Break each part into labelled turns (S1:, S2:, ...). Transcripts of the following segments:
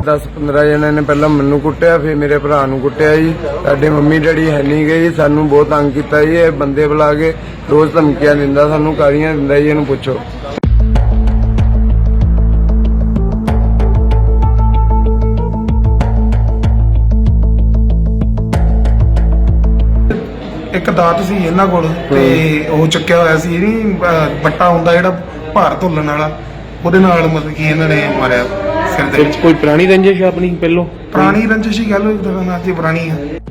S1: 10-15 ਜਣਿਆਂ ਨੇ ਪਹਿਲਾਂ ਮੈਨੂੰ ਕੁੱਟਿਆ, ਫਿਰ ਮੇਰੇ ਭਰਾ ਨੂੰ ਕੁੱਟਿਆ ਜੀ। ਸਾਡੇ ਮੰਮੀ ਡੈਡੀ ਹੈ ਨਹੀਂ ਗਏ ਜੀ, ਸਾਨੂੰ ਬਹੁਤ ਤੰਗ ਕੀਤਾ ਜੀ। ਇਹ ਬੰਦੇ ਬੁਲਾ ਕੇ ਰੋਜ਼ ਧਮਕੀਆਂ ਦਿੰਦਾ, ਸਾਨੂੰ ਗਾਲੀਆਂ ਦਿੰਦਾ ਜੀ। ਇਹਨੂੰ ਪੁੱਛੋ।
S2: ਇੱਕ ਦਾਤ ਸੀ ਇਹਨਾਂ ਕੋਲ ਤੇ ਉਹ ਚੱਕਿਆ ਹੋਇਆ ਸੀ ਇਹਨੀ ਬੱਟਾ ਹੁੰਦਾ ਜਿਹੜਾ ਭਾਰ ਧੁੱਲਣ ਵਾਲਾ, ਉਹਦੇ ਨਾਲ ਮਤਲਬ ਕਿ ਇਹਨਾਂ ਨੇ ਮਾਰਿਆ ਸਿਰ ਦੇ ਵਿੱਚ।
S3: ਕੋਈ ਪੁਰਾਣੀ ਰੰਜਿਸ਼ ਆਪਣੀ ਪਹਿਲੋਂ?
S2: ਪੁਰਾਣੀ ਰੰਜਿਸ਼ ਹੀ ਗੱਲ ਹੋਈ ਤੇ ਪੁਰਾਣੀ ਆ।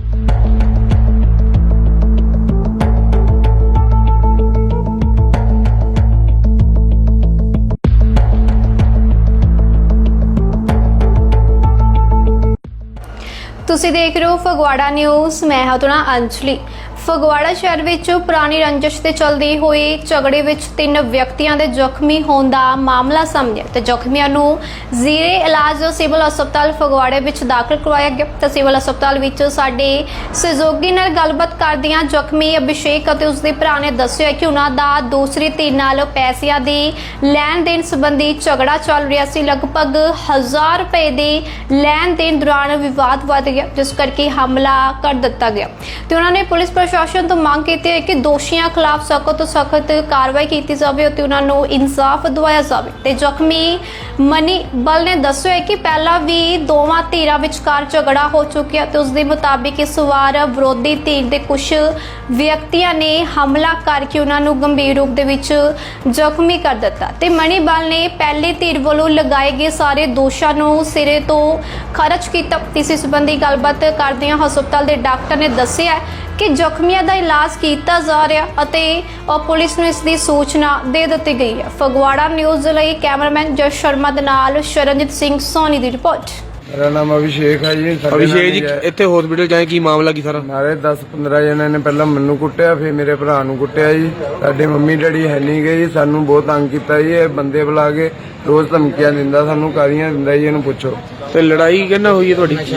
S4: ਤੁਸੀਂ ਦੇਖ ਰਹੇ ਹੋ ਫਗਵਾੜਾ ਨਿਊਜ਼। ਮੈਂ ਹਾਂ ਤੁਹਾਡਾ ਅੰਜਲੀ। ਫਗਵਾੜਾ ਸ਼ਹਿਰ ਵਿੱਚ ਪੁਰਾਣੀ ਰੰਜਿਸ਼ ਤੇ ਚੱਲਦੀ ਹੋਈ ਝਗੜੇ ਵਿੱਚ 3 ਵਿਅਕਤੀਆਂ ਦੇ ਜ਼ਖਮੀ ਹੋਣ ਦਾ ਮਾਮਲਾ ਸਾਹਮਣੇ ਆਇਆ ਤੇ ਜ਼ਖਮੀਆਂ ਨੂੰ ਜ਼ੀਰੇ ਇਲਾਜ ਸਿਵਲ ਹਸਪਤਾਲ ਫਗਵਾੜੇ ਵਿੱਚ ਦਾਖਲ ਕਰਵਾਇਆ ਗਿਆ। ਤੇ ਸਿਵਲ ਹਸਪਤਾਲ ਵਿੱਚ ਸਾਡੇ ਸਹਿਯੋਗੀ ਨਾਲ ਗੱਲਬਾਤ ਕਰਦਿਆਂ ਜ਼ਖਮੀ ਅਭਿਸ਼ੇਕ ਅਤੇ ਉਸਦੇ ਭਰਾ ਨੇ ਦੱਸਿਆ ਕਿ ਉਹਨਾਂ ਦਾ ਦੂਸਰੀ ਧਿਰ ਨਾਲ ਪੈਸਿਆਂ ਦੀ ਲੈਣ ਦੇਣ ਸੰਬੰਧੀ ਝਗੜਾ ਚੱਲ ਰਿਹਾ ਸੀ। ਲਗਭਗ 1000 ਰੁਪਏ ਦੇ ਲੈਣ ਦੇਣ ਦੌਰਾਨ ਵਿਵਾਦ ਵੱਧ ਗਿਆ, ਜਿਸ ਕਰਕੇ ਹਮਲਾ ਕਰ ਦਿੱਤਾ ਗਿਆ ਤੇ ਉਹਨਾਂ ਨੇ ਪੁਲਿਸ ਪ੍ਰਸ਼ਾਸਨ ਤੋਂ ਮੰਗ ਕੀਤੀ ਹੈ ਕਿ ਦੋਸ਼ੀਆਂ ਖਿਲਾਫ ਸਖਤ ਤੋਂ ਸਖਤ ਕਾਰਵਾਈ ਕੀਤੀ ਜਾਵੇ ਅਤੇ ਉਹਨਾਂ ਨੂੰ ਇਨਸਾਫ ਦਿਵਾਇਆ ਜਾਵੇ। ਤੇ ਜ਼ਖਮੀ ਮਨੀ ਬਲ ਨੇ ਦੱਸਿਆ ਕਿ ਪਹਿਲਾਂ ਵੀ ਦੋਵਾਂ ਧਿਰਾਂ ਵਿਚਕਾਰ ਝਗੜਾ ਹੋ ਚੁੱਕਿਆ ਤੇ ਉਸ ਦੇ ਮੁਤਾਬਿਕ ਇਸ ਵਾਰ ਵਿਰੋਧੀ ਧਿਰ ਦੇ ਕੁਝ ਵਿਅਕਤੀਆਂ ਨੇ ਹਮਲਾ ਕਰਕੇ ਉਹਨਾਂ ਨੂੰ ਗੰਭੀਰ ਰੂਪ ਦੇ ਵਿੱਚ ਜ਼ਖਮੀ ਕਰ ਦਿੱਤਾ ਤੇ ਮਨੀ ਬਲ ਨੇ ਪਹਿਲੀ ਧਿਰ ਵੱਲੋਂ ਲਗਾਏ ਗਏ ਸਾਰੇ ਦੋਸ਼ਾਂ ਨੂੰ ਸਿਰੇ ਤੋਂ ਖਾਰਜ ਕੀਤਾ। ਇਸ ਸੰਬੰਧੀ ਗੱਲਬਾਤ ਕਰਦਿਆਂ ਹਸਪਤਾਲ ਦੇ ਡਾਕਟਰ ਨੇ ਦੱਸਿਆ ਕਿ ਜ਼ਖਮੀਆਂ ਦਾ ਇਲਾਜ ਕੀਤਾ ਜਾ ਰਿਹਾ ਅਤੇ ਪੁਲਿਸ ਨੂੰ ਇਸ ਦੀ ਸੂਚਨਾ ਦੇ ਦਿੱਤੀ ਗਈ ਹੈ। ਫਗਵਾੜਾ ਨਿਊਜ਼ ਲਈ ਕੈਮਰਾਮੈਨ ਜਸ ਸ਼ਰਮਾ ਦੇ ਨਾਲ ਸ਼ਰਨਜੀਤ ਸਿੰਘ ਸੋਨੀ ਦੀ ਰਿਪੋਰਟ।
S1: ਮੇਰਾ ਨਾਮ ਅਭਿਸ਼ੇਕ ਹੈ ਜੀ।
S3: ਅਭਿਸ਼ੇਕ ਜੀ, ਇੱਥੇ ਹਸਪੀਟਲ ਜਾਏ ਕੀ ਮਾਮਲਾ ਕੀ ਸਾਰਾ?
S1: ਨਾਲੇ 10-15 ਜਣਿਆਂ ਨੇ ਪਹਿਲਾਂ ਮੈਨੂੰ ਕੁੱਟਿਆ, ਫਿਰ ਮੇਰੇ ਭਰਾ ਨੂੰ ਕੁੱਟਿਆ ਜੀ। ਸਾਡੇ ਮੰਮੀ ਡੈਡੀ ਹੈ ਨਹੀਂ ਗਏ ਜੀ, ਸਾਨੂੰ ਬਹੁਤ ਤੰਗ ਕੀਤਾ ਜੀ। ਇਹ ਬੰਦੇ ਬੁਲਾ ਕੇ ਰੋਜ਼ ਧਮਕੀਆਂ ਦਿੰਦਾ, ਸਾਨੂੰ ਗਾਲੀਆਂ ਦਿੰਦਾ ਜੀ। ਇਹਨੂੰ ਪੁੱਛੋ।
S3: ਤੇ ਲੜਾਈ ਕਿਹਨਾਂ ਹੋਈ ਹੈ ਤੁਹਾਡੀ?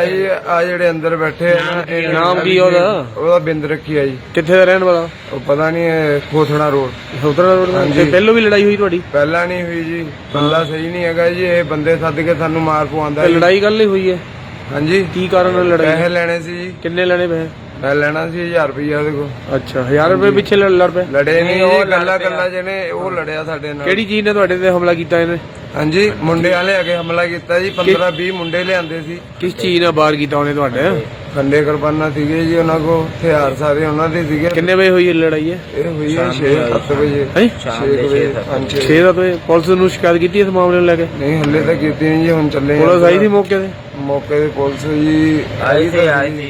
S1: ਆ ਜਿਹੜੇ ਅੰਦਰ ਬੈਠੇ ਆ ਨਾ, ਇਹ
S3: ਨਾਮ ਕੀ ਉਹਦਾ?
S1: ਉਹਦਾ ਬਿੰਦ ਰੱਖੀ ਆ ਜੀ।
S3: ਕਿੱਥੇ ਦਾ ਰਹਿਣ ਵਾਲਾ?
S1: ਉਹ ਪਤਾ ਨਹੀਂ, ਖੋਥਣਾ ਰੋਡ।
S3: ਖੋਥਣਾ ਰੋਡ। ਤੇ ਪਹਿਲੋਂ ਵੀ ਲੜਾਈ ਹੋਈ ਤੁਹਾਡੀ?
S1: ਪਹਿਲਾਂ ਨਹੀਂ ਹੋਈ ਜੀ, ਬੰਦਾ ਸਹੀ ਨਹੀਂ ਹੈਗਾ ਜੀ। ਇਹ ਬੰਦੇ ਸੱਦ ਕੇ ਸਾਨੂੰ ਮਾਰ ਪਵਾਉਂਦਾ।
S3: ਲੜਾਈ ਕੱਲ ਹੀ ਹੋਈ ਹੈ?
S1: ਹਾਂਜੀ।
S3: ਕੀ ਕਾਰਨ ਲੜਾਈ?
S1: ਪੈਸੇ ਲੈਣੇ ਸੀ ਜੀ।
S3: ਕਿੰਨੇ ਲੈਣੇ ਪੈਸੇ?
S1: ਮੈਂ ਲੈਣਾ ਸੀ 1000 ਰੁਪਇਆ ਉਹਦੇ ਕੋਲ।
S3: ਅੱਛਾ, 1000 ਰੁਪਏ ਪਿੱਛੇ ਲੜ ਪਏ?
S1: ਲੜੇ ਨਹੀਂ ਜੀ, ਗੱਲਾਂ ਜਿਹਨੇ ਉਹ ਲੜਿਆ ਸਾਡੇ ਨਾਲ।
S3: ਕਿਹੜੀ ਚੀਜ਼ ਨੇ ਤੁਹਾਡੇ ਤੇ ਹਮਲਾ ਕੀਤਾ ਇਹਨੇ?
S1: ਹਾਂਜੀ, ਮੁੰਡੇ ਵਾਲੇ ਆ ਕੇ ਹਮਲਾ ਕੀਤਾ ਜੀ। 15-20 ਮੁੰਡੇ ਲਿਆਂਦੇ ਸੀ।
S3: ਕਿਸ ਚੀਜ਼ ਨਾਲ ਬਾਹਰ ਕੀਤਾ ਉਹਨੇ ਤੁਹਾਡੇ?
S1: ਖੰਡੇ ਕਿਰਪਾਨਾਂ ਸੀਗੇ ਜੀ ਉਹਨਾਂ ਕੋਲ, ਹਥਿਆਰ ਸਾਰੇ ਉਹਨਾਂ ਦੇ ਸੀਗੇ।
S3: ਕਿੰਨੇ ਵਜੇ ਹੋਈ ਇਹ ਲੜਾਈ ਹੈ?
S1: ਇਹ ਹੋਈ ਹੈ 6-7 ਵਜੇ। 6 ਵਜੇ।
S3: 6-7 ਵਜੇ। ਪੁਲਿਸ ਨੂੰ ਸ਼ਿਕਾਇਤ ਕੀਤੀ ਇਸ ਮਾਮਲੇ ਨੂੰ ਲੈ ਕੇ?
S1: ਨਹੀਂ, ਹੱਲੇ ਤਾਂ ਕੀਤੀ ਨਹੀਂ ਜੀ, ਹੁਣ ਚੱਲੇ।
S3: ਪੁਲਿਸ ਆਈ ਸੀ ਮੌਕੇ ਤੇ?
S1: ਮੌਕੇ ਤੇ ਪੁਲਿਸ ਜੀ ਆਈ ਸੀ।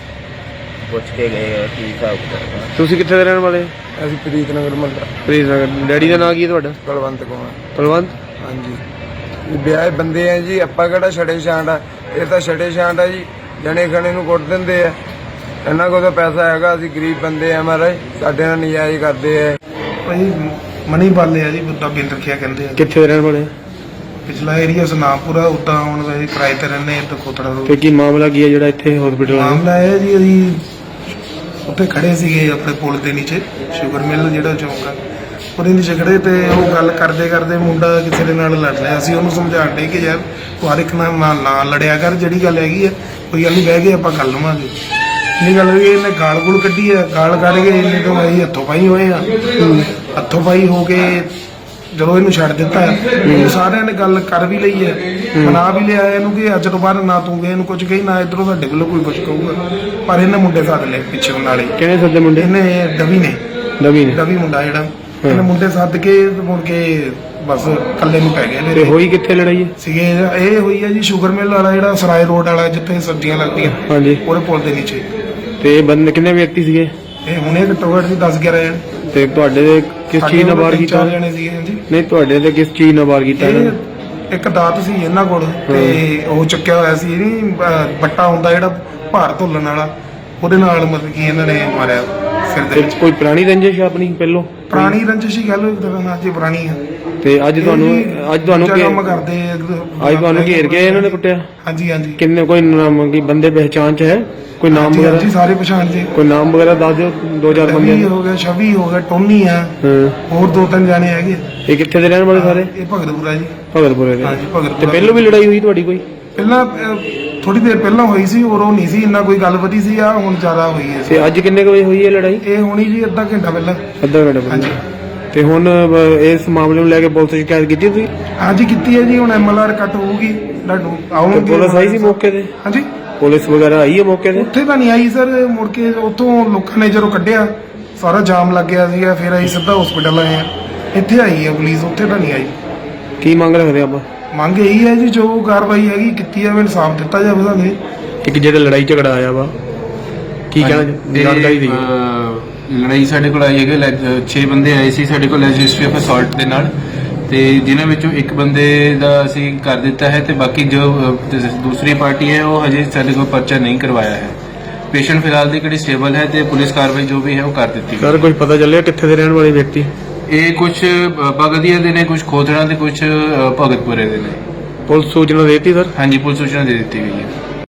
S5: ਪੁੱਛ ਕੇ ਗਏ ਕੀ ਹਿਸਾਬ ਕਿਤਾਬ।
S3: ਤੁਸੀਂ ਕਿੱਥੇ ਦੇ ਰਹਿਣ ਵਾਲੇ?
S1: ਅਸੀਂ ਪ੍ਰੀਤ ਨਗਰ ਮਹੱਲਾ।
S3: ਪ੍ਰੀਤ ਨਗਰ। ਡੈਡੀ ਦਾ ਨਾਂ ਕੀ ਹੈ ਤੁਹਾਡਾ?
S1: ਕੁਲਵੰਤ ਕੁਮਾਰ।
S3: ਕੁਲਵੰਤ।
S1: ਹਾਂਜੀ। ਵਿਆਹ ਬੰਦੇ ਆ ਜੀ, ਆਪਾਂ ਕਿਹੜਾ ਛੜੇ ਛਾਂਟ ਆ? ਇਹ ਤਾਂ ਛੜੇ ਛਾਂਟ ਆ ਜੀ, ਜਣੇ ਖਣੇ ਨੂੰ ਕੁੱਟ ਦਿੰਦੇ ਆ। ਇਹਨਾਂ ਕੋਲ ਤਾਂ ਪੈਸਾ ਹੈਗਾ, ਅਸੀਂ ਗਰੀਬ ਬੰਦੇ ਆ ਮਹਾਰਾਜ, ਸਾਡੇ ਨਾਲ ਨਜਾਇਜ਼ ਕਰਦੇ ਆ।
S2: ਭਾਈ ਮਨੀ ਬਾਲੇ ਆ ਜੀ, ਬੁੱਧਾ ਬਿੰਦ ਰੱਖਿਆ ਕਹਿੰਦੇ ਆ।
S3: ਕਿੱਥੇ ਦੇ ਰਹਿਣ ਵਾਲੇ?
S2: ਪਿਛਲਾ ਏਰੀਆ ਸੁਨਾਮਪੁਰਾ। ਉਦਾਂ ਹੁਣ ਵੈਸੇ ਕਿਰਾਏ ਤੇ ਰਹਿੰਦੇ ਇੱਥੇ ਖੋਤੜਾ
S3: ਤੇ ਕੀ ਮਾਮਲਾ ਕੀ ਹੈ ਜਿਹੜਾ ਇੱਥੇ ਹਸਪੀਟਲ ਆਇਆ?
S2: ਮਾਮਲਾ ਇਹ ਜੀ, ਅਸੀਂ ਉੱਥੇ ਖੜੇ ਸੀਗੇ ਆਪਣੇ ਪੁਲ ਦੇ ਨੀਚੇ, ਸ਼ੂਗਰ ਮਿਲ ਜਿਹੜਾ ਚੌਂਕ ਆ, ਉਹਦੇ ਨੀਚੇ ਖੜੇ ਤੇ ਉਹ ਗੱਲ ਕਰਦੇ ਕਰਦੇ ਮੁੰਡਾ ਕਿਸੇ ਦੇ ਨਾਲ ਲੜ ਰਿਹਾ ਸੀ। ਉਹਨੂੰ ਸਮਝਾਣ ਡੇ ਕਿ ਯਾਰ ਤੂੰ ਹਰ ਇੱਕ ਨਾਲ ਨਾ ਲੜਿਆ ਕਰ, ਜਿਹੜੀ ਗੱਲ ਹੈਗੀ ਆ ਕੋਈ ਗੱਲ ਨਹੀਂ, ਬਹਿ ਕੇ ਆਪਾਂ ਕਰ ਲਵਾਂਗੇ। ਇਹ ਗੱਲ ਹੋਈ, ਇਹਨੇ ਗਾਲ ਗੁਲ ਕੱਢੀ ਆ। ਗਾਲ ਕੱਢ ਕੇ ਇਹਨੇ ਤੋਂ ਅਸੀਂ ਹੱਥੋਂ ਪਾਈ ਹੋਏ ਆ। ਹੱਥੋਂ ਪਾਈ ਹੋ ਕੇ ਜਦੋਂ ਇਹਨੂੰ ਛੱਡ ਦਿੱਤਾ, ਸਾਰਿਆਂ ਨੇ ਗੱਲ ਕਰ ਵੀ ਲਈ ਹੈ, ਮਨਾ ਵੀ ਲਿਆ ਇਹਨੂੰ ਕਿ ਅੱਜ ਤੋਂ ਬਾਅਦ ਨਾ ਤੂੰ ਇਹਨੂੰ ਕੁਝ ਕਹੀ, ਨਾ ਇੱਧਰੋਂ ਤੁਹਾਡੇ ਵੱਲੋਂ ਕੋਈ ਕੁਝ ਕਹੂਗਾ। ਪਰ ਇਹਨੇ ਮੁੰਡੇ ਸੱਦ ਲਏ ਪਿੱਛੇ ਨਾਲੇ।
S3: ਕਿਹਨੇ ਸੱਦੇ ਮੁੰਡੇ?
S2: ਇਹਨੇ ਦਵੀ ਨੇ ਦਵੀ ਮੁੰਡਾ ਜਿਹੜਾ, ਇਹਨੇ ਮੁੰਡੇ ਸੱਦ ਕੇ ਮੁੜ ਕੇ ਬਸ ਕੱਲੇ ਨੂੰ ਪੈ ਗਏ।
S3: ਤੇ ਹੋਈ ਕਿੱਥੇ ਲੜਾਈ
S2: ਸੀਗੇ? ਇਹ ਹੋਈ ਹੈ ਜੀ ਸ਼ੂਗਰ ਮਿਲ ਵਾਲਾ, ਜਿਹੜਾ ਸਰਾਏ ਰੋਡ ਵਾਲਾ, ਜਿੱਥੇ ਸਬਜ਼ੀਆਂ ਲੱਗਦੀਆਂ।
S3: ਹਾਂਜੀ।
S2: ਉਹਦੇ ਪੁਲ ਦੇ ਨੀਚੇ।
S3: ਤੇ ਬੰਦੇ ਕਿੰਨੇ ਵਿਅਕਤੀ ਸੀਗੇ?
S2: ਇਹ ਹੁਣੇ ਘੱਟੋ ਘੱਟ 10-11 ਜਣੇ।
S3: ਤੇ ਤੁਹਾਡੇ ਦੇ ਕਿਸ ਚੀਜ਼ ਨਾਲ ਵਾਰ ਕੀਤਾ?
S2: 4 ਜਣੇ ਸੀਗੇ। ਹਾਂਜੀ।
S3: ਨਹੀਂ, ਤੁਹਾਡੇ ਤੇ ਕਿਸ ਚੀਜ਼ ਨਾਲ ਵਾਰ ਕੀਤਾ?
S2: ਇੱਕ ਦਾਤ ਸੀ ਇਹਨਾਂ ਕੋਲ ਤੇ ਉਹ ਚੱਕਿਆ ਹੋਇਆ ਸੀ ਇਹਨੀ ਬੱਟਾ ਹੁੰਦਾ ਜਿਹੜਾ ਭਾਰ ਧੁੱਲਣ ਵਾਲਾ, ਉਹਦੇ ਨਾਲ ਮਤਲਬ ਕਿ ਇਹਨਾਂ ਨੇ ਮਾਰਿਆ ਸਿਰ ਦੇ ਵਿੱਚ।
S3: ਕੋਈ ਪੁਰਾਣੀ ਰੰਜਿਸ਼ ਆਪਣੀ ਪਹਿਲੋਂ?
S2: ਪੁਰਾਣੀ ਰੰਜਿਸ਼ ਹੀ ਗੱਲ ਹੋਈ ਤਾਂ ਅੱਜ ਪੁਰਾਣੀ ਆ।
S3: ਤੇ ਅੱਜ ਤੁਹਾਨੂੰ
S2: ਕੰਮ ਕਰਦੇ
S3: ਅੱਜ ਤੁਹਾਨੂੰ ਘੇਰ ਕੇ ਇਹਨਾਂ ਨੇ ਕੁੱਟਿਆ?
S2: ਹਾਂਜੀ ਹਾਂਜੀ।
S3: ਕਿੰਨੇ ਕੋਈ ਨਾਮ ਕੀ ਬੰਦੇ ਪਹਿਚਾਣ ਚ ਹੈ? ਕੋਈ ਨਾਮ ਵਗੈਰਾ?
S2: ਜੀ ਸਾਰੇ ਪਛਾਣ ਜੀ।
S3: ਕੋਈ ਨਾਮ ਵਗੈਰਾ ਦੱਸ ਦਿਓ। 2-4 ਬੰਦੇ
S2: ਹੋ ਗਏ, ਛਵੀ ਹੋ ਗਿਆ, ਟੋਨੀ ਆ, ਹੋਰ 2-3 ਜਾਣੇ ਹੈਗੇ।
S3: ਇਹ ਕਿੱਥੇ ਦੇ ਰਹਿਣ ਵਾਲੇ ਸਾਰੇ?
S2: ਇਹ ਭਗਤਪੁਰਾ ਜੀ।
S3: ਭਗਤਪੁਰੇ ਦੇ।
S2: ਹਾਂਜੀ, ਭਗਤਪੁਰਾ।
S3: ਤੇ ਪਹਿਲੋਂ ਵੀ ਲੜਾਈ ਹੋਈ ਤੁਹਾਡੀ ਕੋਈ?
S2: ਪਹਿਲਾਂ ਥੋੜੀ ਦੇਰ ਪਹਿਲਾਂ ਹੋਈ ਸੀ, ਔਰ ਉਹ ਨਹੀਂ ਸੀ ਇੰਨਾ ਕੋਈ ਗੱਲ ਵਧੀ ਸੀ, ਆ ਹੁਣ ਜ਼ਿਆਦਾ ਹੋਈ ਹੈ।
S3: ਤੇ ਅੱਜ ਕਿੰਨੇ ਕੁ ਵਜੇ ਹੋਈ ਹੈ ਲੜਾਈ?
S2: ਇਹ ਹੋਣੀ ਜੀ ਅੱਧਾ ਘੰਟਾ ਪਹਿਲਾਂ।
S3: ਅੱਧਾ ਘੰਟਾ ਪਹਿਲਾਂ।
S2: ਹਾਂਜੀ
S3: ਤੇ ਹੁਣ ਇਸ ਮਾਮਲੇ ਨੂੰ ਲੈ ਕੇ ਪੁਲਿਸ ਸ਼ਿਕਾਇਤ ਕੀਤੀ ਤੁਸੀਂ?
S2: ਹਾਂਜੀ ਕੀਤੀ ਹੈ ਜੀ, ਹੁਣ MLR ਕੱਟ ਹੋਊਗੀ, ਤੁਹਾਨੂੰ
S3: ਤੇ
S2: ਆਉਣਗੇ।
S3: ਪੁਲਿਸ ਆਈ ਸੀ ਮੌਕੇ ਤੇ?
S2: ਹਾਂਜੀ
S3: ਪੁਲਿਸ ਵਗੈਰਾ ਆਈ ਹੈ ਮੌਕੇ ਤੇ?
S2: ਉੱਥੇ ਤਾਂ ਨਹੀਂ ਆਈ ਸਰ, ਮੁੜ ਕੇ ਉੱਥੋਂ ਲੋਕਾਂ ਨੇ ਜਦੋਂ ਕੱਢਿਆ ਸਾਰਾ ਜਾਮ ਲੱਗ ਗਿਆ ਸੀਗਾ, ਫਿਰ ਅਸੀਂ ਸਿੱਧਾ ਹਸਪੀਟਲ ਆਏ ਆ। ਇੱਥੇ ਆਈ ਹੈ ਪੁਲਿਸ, ਉੱਥੇ ਤਾਂ ਨਹੀਂ ਆਈ।
S3: ਕੀ ਮੰਗ ਰੱਖਦੇ ਆਪਾਂ?
S2: ਮੰਗ ਇਹੀ ਹੈ ਜੀ, ਜੋ ਕਾਰਵਾਈ ਹੈਗੀ ਕੀਤੀ ਜਾਵੇ, ਇਨਸਾਫ ਦਿੱਤਾ ਜਾਵੇ ਸਾਨੂੰ।
S3: ਇੱਕ ਜਿਹੜਾ ਲੜਾਈ ਝਗੜਾ ਆਇਆ ਵਾ, ਕੀ ਕਹਿਣਾ ਜਾਣਕਾਰੀ ਦੀ?
S6: ਲੜਾਈ ਸਾਡੇ ਕੋਲ ਆਈ ਹੈਗੇ 6 ਬੰਦੇ ਆਏ ਸੀ ਸਾਡੇ ਕੋਲ ਰਜਿਸਟਰੀ ਆਫ ਅਸੌਲਟ ਦੇ ਨਾਲ, ਤੇ ਜਿਨ੍ਹਾਂ ਵਿੱਚੋਂ ਇੱਕ ਬੰਦੇ ਦਾ ਅਸੀਂ ਕਰ ਦਿੱਤਾ ਹੈ ਤੇ ਬਾਕੀ ਜੋ ਦੂਸਰੀ ਪਾਰਟੀ ਹੈ ਉਹ ਹਜੇ ਸਾਡੇ ਕੋਲ ਪਰਚਾ ਨਹੀਂ ਕਰਵਾਇਆ ਹੈ। ਪੇਸ਼ੈਂਟ ਫਿਲਹਾਲ ਦੀ ਕਿਹੜੀ ਸਟੇਬਲ ਹੈ ਤੇ ਪੁਲਿਸ ਕਾਰਵਾਈ ਜੋ ਵੀ ਹੈ ਉਹ ਕਰ ਦਿੱਤੀ
S3: ਸਰ ਕੁਝ ਪਤਾ ਚੱਲਿਆ ਕਿੱਥੇ ਦੇ ਰਹਿਣ ਵਾਲੇ ਵਿਅਕਤੀ?
S6: ਇਹ ਕੁਝ ਬਗਦੀਆ ਦੇ ਨੇ, ਕੁਝ ਖੋਦੜਾ ਦੇ, ਕੁਝ ਭਗਤਪੁਰੇ ਦੇ ਨੇ।
S3: ਪੁਲਿਸ ਸੂਚਨਾ ਦੇਤੀ ਸਰ?
S6: ਹਾਂਜੀ ਪੁਲਿਸ ਸੂਚਨਾ ਦੇ ਦਿੱਤੀ ਗਈ ਹੈ।